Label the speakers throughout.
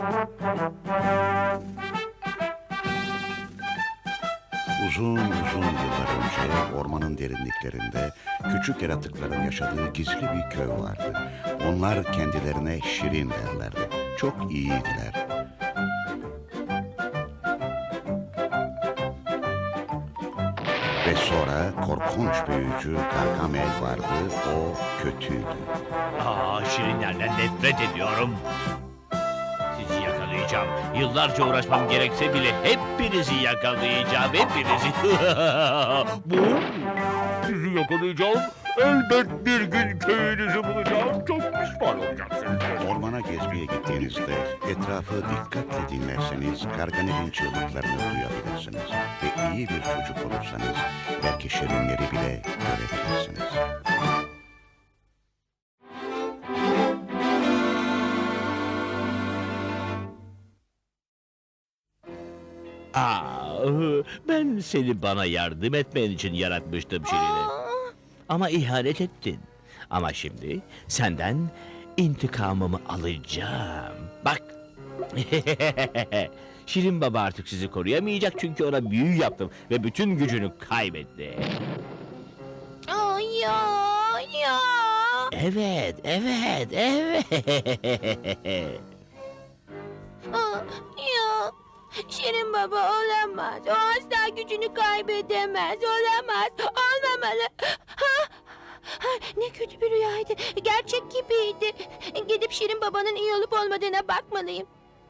Speaker 1: Uzun uzun yıllar önce ormanın derinliklerinde küçük yaratıkların yaşadığı gizli bir köy vardı. Onlar kendilerine Şirin derlerdi. Çok iyiydiler. Ve sonra korkunç büyücü Gargamel vardı. O kötüydü.
Speaker 2: Şirinlerden nefret ediyorum. Sizi yakalayacağım. Yıllarca uğraşmam gerekse bile hepinizi yakalayacağım. Hepinizi. Bu? Sizi yakalayacağım. Elbet bir gün köyünüzü bulacağım. Çok pişman olacaksınız.
Speaker 1: Ormana gezmeye gittiğinizde etrafı dikkatle dinlerseniz Gargamel'in çığlıklarını duyabilirsiniz. Ve iyi bir çocuk olursanız belki şirinleri bile görebilirsiniz.
Speaker 2: Ben seni bana yardım etmen için yaratmıştım Şirin'e. Ama ihanet ettin. Ama şimdi senden intikamımı alacağım. Bak. Şirin Baba artık sizi koruyamayacak çünkü ona büyü yaptım ve bütün gücünü kaybetti.
Speaker 3: Ya.
Speaker 2: Evet.
Speaker 3: Ya. Şirin Baba olamaz. O asla gücünü kaybedemez. Olamaz. Olmamalı. Ne kötü bir rüyaydı. Gerçek gibiydi. Gidip Şirin Baba'nın iyi olup olmadığına bakmalıyım.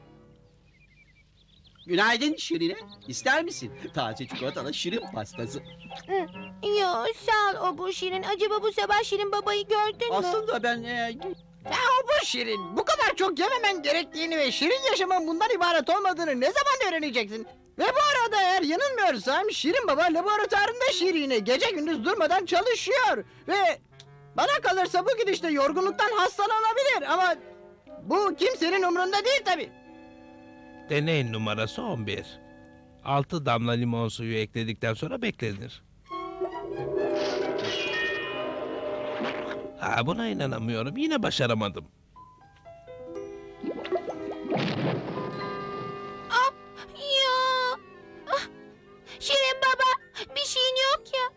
Speaker 4: Günaydın Şirine. İster misin? Taze çikolatalı şirin pastası.
Speaker 3: Yo, sağ ol bu Şirin. Acaba bu sabah Şirin Baba'yı gördün mü?
Speaker 4: Aslında ben... o bu Şirin. Bu kadar çok yememen gerektiğini ve şirin yaşamın bundan ibaret olmadığını ne zaman öğreneceksin? Ve bu arada eğer yanılmıyorsam Şirin Baba laboratuvarında Şirin'e gece gündüz durmadan çalışıyor. Ve bana kalırsa bu gidişte yorgunluktan hastalanabilir ama bu kimsenin umrunda değil tabii.
Speaker 5: Deney numarası 11. 6 damla limon suyu ekledikten sonra beklenir. Buna inanamıyorum. Yine başaramadım.
Speaker 3: Ya. Şirin Baba, bir şeyin yok ya.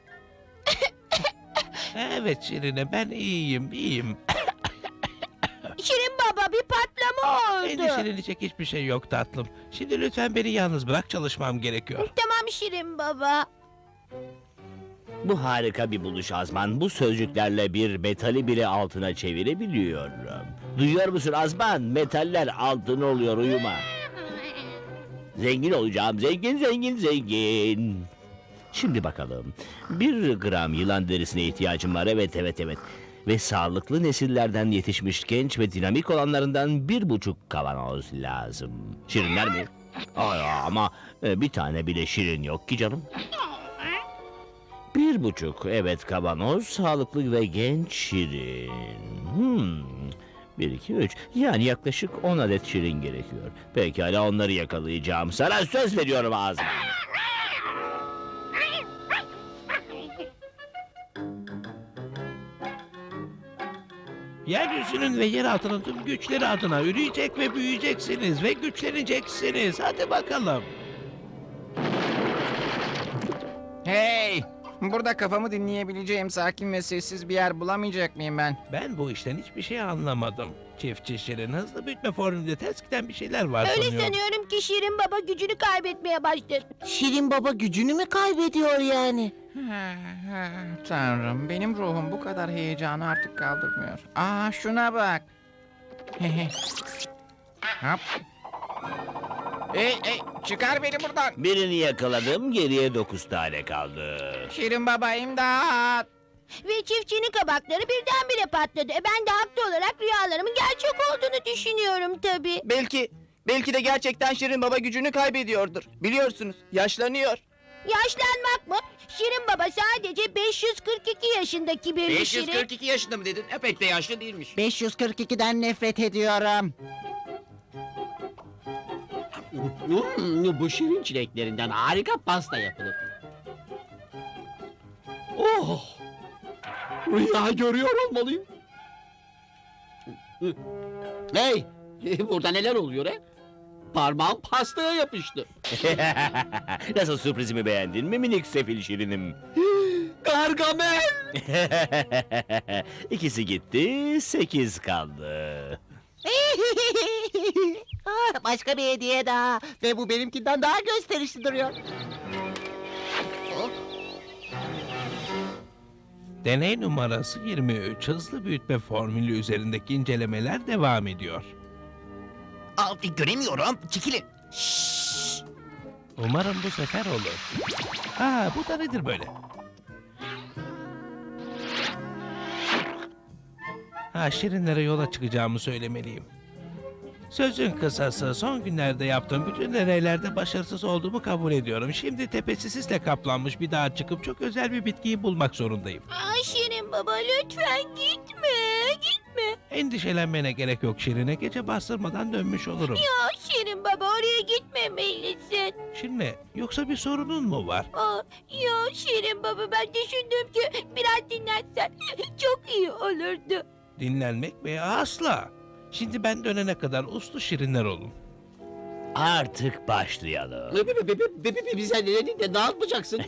Speaker 5: Evet Şirine, ben iyiyim.
Speaker 3: Şirin Baba, bir patlama oldu.
Speaker 5: Endişelenecek hiçbir şey yok tatlım. Şimdi lütfen beni yalnız bırak, çalışmam gerekiyor.
Speaker 3: Tamam Şirin Baba.
Speaker 2: Bu harika bir buluş Azman. Bu sözcüklerle bir metali bile altına çevirebiliyorum. Duyuyor musun Azman? Metaller altın oluyor, uyuma. Zengin olacağım, zengin. Şimdi bakalım. 1 gram yılan derisine ihtiyacım var, evet. Ve sağlıklı nesillerden yetişmiş genç ve dinamik olanlarından 1,5 kavanoz lazım. Şirinler mi? Ama bir tane bile şirin yok ki canım. 1,5, evet, kavanoz, sağlıklı ve genç şirin. 1, 2, 3, yani yaklaşık 10 adet şirin gerekiyor. Pekala, onları yakalayacağım. Sana söz veriyorum ağzım.
Speaker 5: Yeryüzünün ve yer altının tüm güçleri adına üreyecek ve büyüyeceksiniz ve güçleneceksiniz. Hadi bakalım.
Speaker 6: Hey! Burada kafamı dinleyebileceğim sakin ve sessiz bir yer bulamayacak mıyım ben?
Speaker 5: Ben bu işten hiçbir şey anlamadım. Çiftçi Şirin hızlı büyütme formülünde ters giden bir şeyler var
Speaker 3: Öyle
Speaker 5: sanıyorum.
Speaker 3: sanıyorum ki Şirin Baba gücünü kaybetmeye başladı.
Speaker 7: Şirin Baba gücünü mü kaybediyor yani?
Speaker 6: Tanrım, benim ruhum bu kadar heyecanı artık kaldırmıyor. Şuna bak. Hop. Hey, çıkar beni buradan.
Speaker 2: Birini yakaladım, geriye 9 tane kaldı.
Speaker 6: Şirin Baba, imdat.
Speaker 3: Ve çiftçinin kabakları birdenbire patladı. Ben de haklı olarak rüyalarımın gerçek olduğunu düşünüyorum tabii.
Speaker 8: Belki de gerçekten Şirin Baba gücünü kaybediyordur. Biliyorsunuz, yaşlanıyor.
Speaker 3: Yaşlanmak mı? Şirin Baba sadece 542 yaşındaki bir Şirin.
Speaker 8: 542 yaşında mı dedin? Pek de yaşlı değilmiş.
Speaker 4: 542'den nefret ediyorum.
Speaker 9: Bu şirin çileklerinden harika pasta yapılır. Rüya görüyor olmalıyım. Hey! Burada neler oluyor he? Parmağım pastaya yapıştı.
Speaker 2: Nasıl, sürprizimi beğendin mi minik sefil şirinim?
Speaker 9: Gargamel!
Speaker 2: İkisi gitti, 8 kaldı.
Speaker 7: Ah, başka bir hediye daha. Ve bu benimkinden daha gösterişli duruyor.
Speaker 5: Deney numarası 23 hızlı büyütme formülü üzerindeki incelemeler devam ediyor.
Speaker 8: Göremiyorum. Çekilin.
Speaker 5: Umarım bu sefer olur. Ha, bu da nedir böyle? Ha, şirinlere yola çıkacağımı söylemeliyim. Sözün kısası, son günlerde yaptığım bütün deneylerde başarısız olduğumu kabul ediyorum. Şimdi tepesi sisle kaplanmış bir dağa çıkıp çok özel bir bitkiyi bulmak zorundayım.
Speaker 3: Ay Şirin baba lütfen gitme. Gitme.
Speaker 5: Endişelenmene gerek yok Şirine, gece bastırmadan dönmüş olurum.
Speaker 3: Ya Şirin baba oraya gitmemelisin.
Speaker 5: Şirine, yoksa bir sorunun mu var?
Speaker 3: Aa, ya Şirin baba ben düşündüm ki biraz dinlensen çok iyi olurdu.
Speaker 5: Dinlenmek mi? Asla. Şimdi ben dönene kadar uslu şirinler olun.
Speaker 2: Artık başlayalım.
Speaker 9: Bize ne yapacaksın?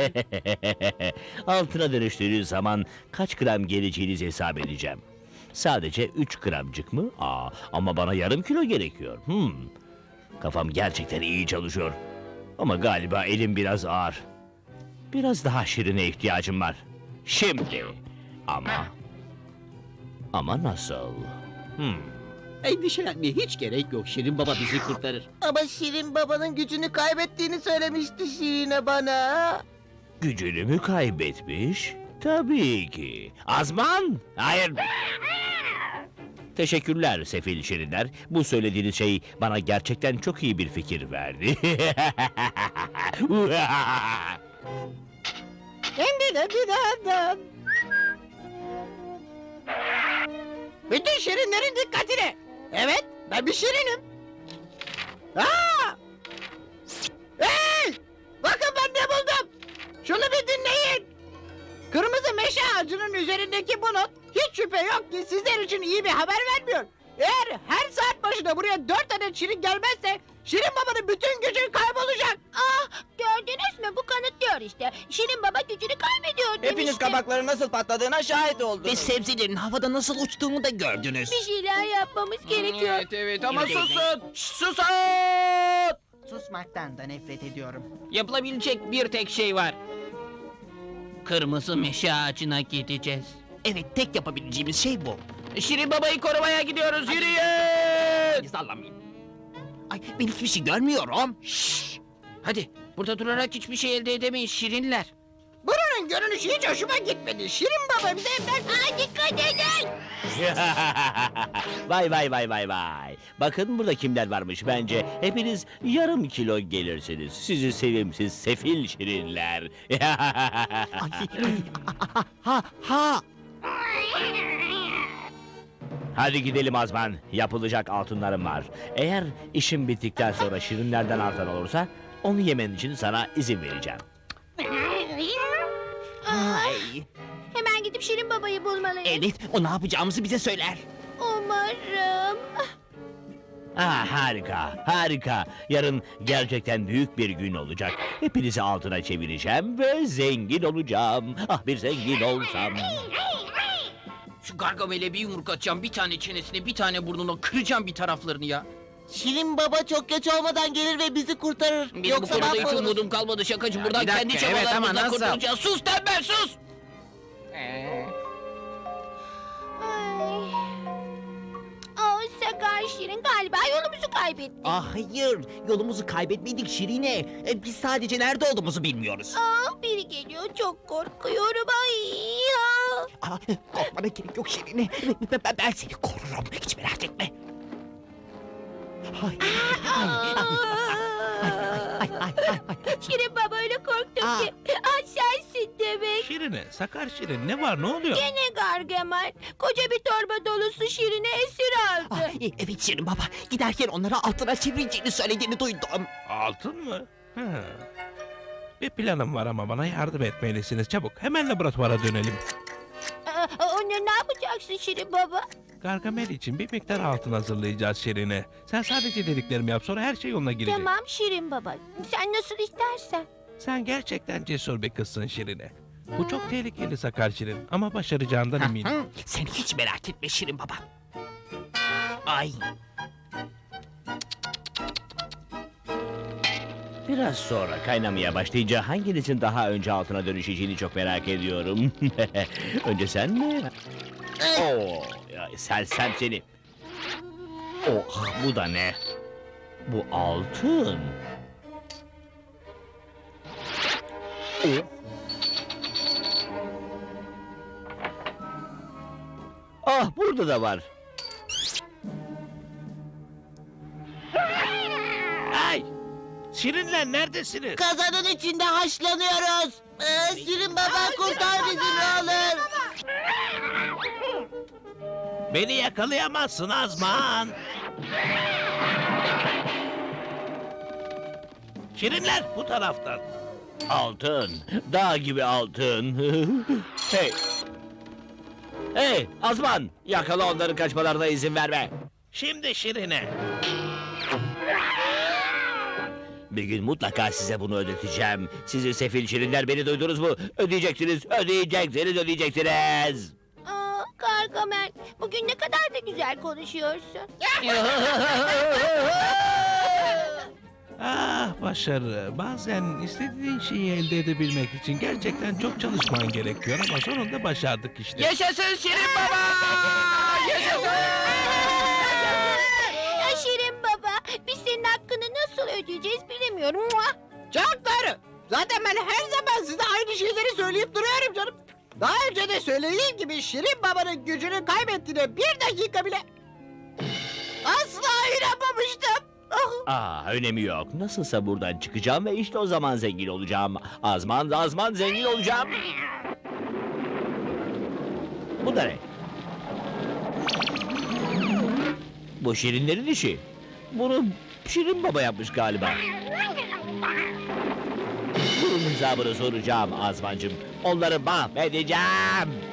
Speaker 2: Altına dönüştüğünüz zaman kaç gram geleceğinizi hesap edeceğim. Sadece 3 gramcık mı? Ama bana yarım kilo gerekiyor. Kafam gerçekten iyi çalışıyor. Ama galiba elim biraz ağır. Biraz daha şirine ihtiyacım var. Şimdi. Ama nasıl?
Speaker 9: Endişelenmeye hiç gerek yok. Şirin Baba bizi kurtarır.
Speaker 7: Ama Şirin babanın gücünü kaybettiğini söylemişti Şirine bana.
Speaker 2: Gücünü mü kaybetmiş? Tabii ki. Azman! Hayır. Teşekkürler sefil şirinler. Bu söylediğiniz şey bana gerçekten çok iyi bir fikir verdi.
Speaker 4: Hem de bir daha. Bütün şirinlerin dikkatine. Evet, ben bir şirinim. Aa! Hey! Bakın ben ne buldum. Şunu bir dinleyin. Kırmızı meşe ağacının üzerindeki bu not hiç şüphe yok ki sizler için iyi bir haber vermiyor. Eğer her saat başına buraya 4 adet şirin gelmezse Şirin Baba'nın bütün gücü kaybolacak.
Speaker 3: Ah gördünüz mü bu kanıtlıyor işte. Şirin baba gücünü kaybediyor demiştim.
Speaker 8: Hepiniz kabakların nasıl patladığına şahit
Speaker 7: Ve
Speaker 8: oldunuz.
Speaker 7: sebzelerin havada nasıl uçtuğunu da gördünüz.
Speaker 3: Bir şeyler yapmamız gerekiyor.
Speaker 6: Evet ama susun. Susun.
Speaker 4: Susmaktan da nefret ediyorum.
Speaker 9: Yapılabilecek bir tek şey var. Kırmızı meşe ağacına gideceğiz.
Speaker 7: Evet, tek yapabileceğimiz şey bu.
Speaker 9: Şirin Baba'yı korumaya gidiyoruz. Yürüyün!
Speaker 7: Sallamayın. Ay, ben hiçbir şey görmüyorum.
Speaker 9: Hadi burada durarak hiçbir şey elde edemeyiz şirinler.
Speaker 4: Buranın görünüşü hiç hoşuma gitmedi. Şirin Baba bize evden...
Speaker 3: Aa, dikkat edin.
Speaker 2: Vay. Bakın burada kimler varmış bence. Hepiniz yarım kilo gelirsiniz. Sizi sevimsiz sefil şirinler.
Speaker 7: Ha.
Speaker 2: Hadi gidelim Azman. Yapılacak altınlarım var. Eğer işim bittikten sonra şirinlerden artan olursa onu yemen için sana izin vereceğim.
Speaker 7: Ay.
Speaker 3: Hemen gidip Şirin babayı bulmalıyız.
Speaker 7: Evet, o ne yapacağımızı bize söyler.
Speaker 3: Umarım.
Speaker 2: Harika. Yarın gerçekten büyük bir gün olacak. Hepinizi altına çevireceğim ve zengin olacağım. Ah, bir zengin olsam.
Speaker 9: Şu Gargamel'e bir yumruk atacağım. Bir tane çenesine, bir tane burnuna kıracağım bir taraflarını ya.
Speaker 7: Şirin Baba çok geç olmadan gelir ve bizi kurtarır.
Speaker 9: Benim bu
Speaker 7: Yoksa
Speaker 9: konuda hiç
Speaker 7: mahvoluruz.
Speaker 9: umudum kalmadı şakacı.
Speaker 6: Ya
Speaker 9: Buradan
Speaker 6: bir dakika,
Speaker 9: kendi
Speaker 6: evet ama
Speaker 9: çabalarımızla
Speaker 6: nasıl?
Speaker 9: kurtulacağız. Sus tembel sus!
Speaker 3: Ay. Aa, Sakar Şirin galiba yolumuzu kaybettik.
Speaker 7: Ah hayır, yolumuzu kaybetmedik Şirine. Biz sadece nerede olduğumuzu bilmiyoruz.
Speaker 3: Aa, biri geliyor çok korkuyorum. Ay ya.
Speaker 7: Ah, korkmana gerek yok Şirine. Ben seni korurum, hiç merak etme.
Speaker 3: Şirin baba öyle korktum
Speaker 7: Aa.
Speaker 3: ki. Aa, sensin demek.
Speaker 5: Şirine, sakar şirin, ne var, ne oluyor?
Speaker 3: Gene Gargamel. Koca bir torba dolusu Şirin'i esir aldı.
Speaker 7: Ah, evet Şirin Baba, giderken onları altına çevireceğini söylediğini duydum.
Speaker 5: Altın mı? Bir planım var ama bana yardım etmelisiniz. Çabuk, hemen laboratuvara dönelim.
Speaker 3: Ne yapacaksın Şirin baba?
Speaker 5: Gargamel için bir miktar altın hazırlayacağız Şirin'e. Sen sadece dediklerimi yap, sonra her şey yoluna girecek.
Speaker 3: Tamam Şirin baba. Sen nasıl istersen.
Speaker 5: Sen gerçekten cesur bir kızsın Şirin'e. Bu çok tehlikeli Sakar Şirin ama başaracağından eminim.
Speaker 9: Sen hiç merak etme Şirin baba. Ay.
Speaker 2: Biraz sonra kaynamaya başlayınca hanginizin daha önce altına dönüşeceğini çok merak ediyorum. Önce sen mi? Oo, ya sersem seni. Oh, bu da ne? Bu altın. Oh. Ah, burada da var.
Speaker 5: Ay! Şirinler neredesiniz?
Speaker 7: Kazanın içinde haşlanıyoruz. Şirin baba kurtar bizi ne olur.
Speaker 5: Beni yakalayamazsın Azman. Şirinler bu taraftan.
Speaker 2: Altın, dağ gibi altın. Hey! Hey, Azman! Yakala onların kaçmalarına izin verme.
Speaker 5: Şimdi Şirin'e.
Speaker 2: Bir gün mutlaka size bunu ödeteceğim. Sizi sefil şirinler, beni duydunuz mu? Ödeyeceksiniz, ödeyeceksiniz, ödeyeceksiniz.
Speaker 3: Aa, Gargamel, bugün ne kadar da güzel konuşuyorsun.
Speaker 5: Ah başarı. Bazen istediğin şeyi elde edebilmek için gerçekten çok çalışman gerekiyor ama sonunda başardık işte.
Speaker 9: Yaşasın Şirin baba! Yaşasın!
Speaker 3: Ya Şirin baba, biz senin hakkını nasıl ödeyeceğiz bilemiyorum. Muah!
Speaker 4: Çok doğru. Zaten ben her zaman size aynı şeyleri söyleyip duruyorum canım. Daha önce de söylediğim gibi Şirin Baba'nın gücünü kaybettiğine bir dakika bile asla inanmamıştım.
Speaker 2: Önemi yok. Nasılsa buradan çıkacağım ve işte o zaman zengin olacağım. Azman zengin olacağım. Bu da ne? Bu şirinlerin işi. Bunu Şirin Baba yapmış galiba. Bunun hesabını soracağım Azmancığım. Onları mahvedeceğim.